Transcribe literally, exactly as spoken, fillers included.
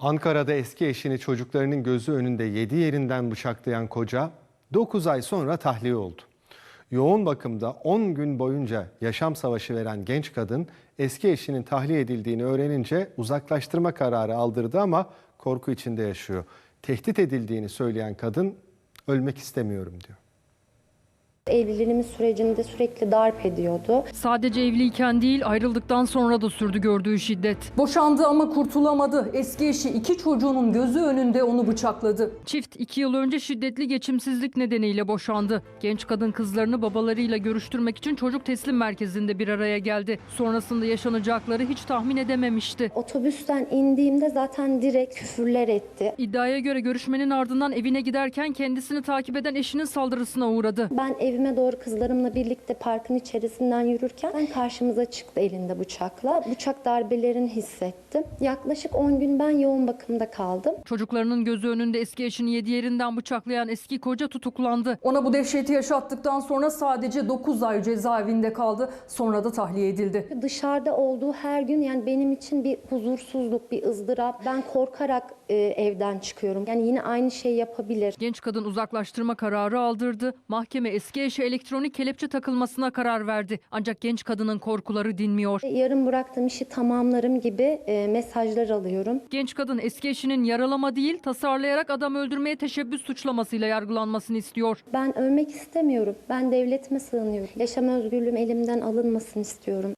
Ankara'da eski eşini çocuklarının gözü önünde yedi yerinden bıçaklayan koca dokuz ay sonra tahliye oldu. Yoğun bakımda on gün boyunca yaşam savaşı veren genç kadın eski eşinin tahliye edildiğini öğrenince uzaklaştırma kararı aldırdı ama korku içinde yaşıyor. Tehdit edildiğini söyleyen kadın ölmek istemiyorum diyor. Evliliğimiz sürecinde sürekli darp ediyordu. Sadece evliyken değil, ayrıldıktan sonra da sürdü gördüğü şiddet. Boşandı ama kurtulamadı. Eski eşi iki çocuğunun gözü önünde onu bıçakladı. Çift iki yıl önce şiddetli geçimsizlik nedeniyle boşandı. Genç kadın kızlarını babalarıyla görüştürmek için çocuk teslim merkezinde bir araya geldi. Sonrasında yaşanacakları hiç tahmin edememişti. Otobüsten indiğimde zaten direkt küfürler etti. İddiaya göre görüşmenin ardından evine giderken kendisini takip eden eşinin saldırısına uğradı. Ben evime doğru kızlarımla birlikte parkın içerisinden yürürken ben karşımıza çıktı elinde bıçakla. Bıçak darbelerini hissettim. Yaklaşık on gün ben yoğun bakımda kaldım. Çocuklarının gözü önünde eski eşini yedi yerinden bıçaklayan eski koca tutuklandı. Ona bu dehşeti yaşattıktan sonra sadece dokuz ay cezaevinde kaldı. Sonra da tahliye edildi. Dışarıda olduğu her gün yani benim için bir huzursuzluk, bir ızdırap. Ben korkarak e, evden çıkıyorum. Yani yine aynı şeyi yapabilir. Genç kadın uzaklaştırma kararı aldırdı. Mahkeme eski eşe elektronik kelepçe takılmasına karar verdi. Ancak genç kadının korkuları dinmiyor. Yarın bıraktığım işi tamamlarım gibi e, mesajlar alıyorum. Genç kadın eski eşinin yaralama değil, tasarlayarak adam öldürmeye teşebbüs suçlamasıyla yargılanmasını istiyor. Ben ölmek istemiyorum. Ben devletime sığınıyorum. Yaşam özgürlüğüm elimden alınmasını istiyorum.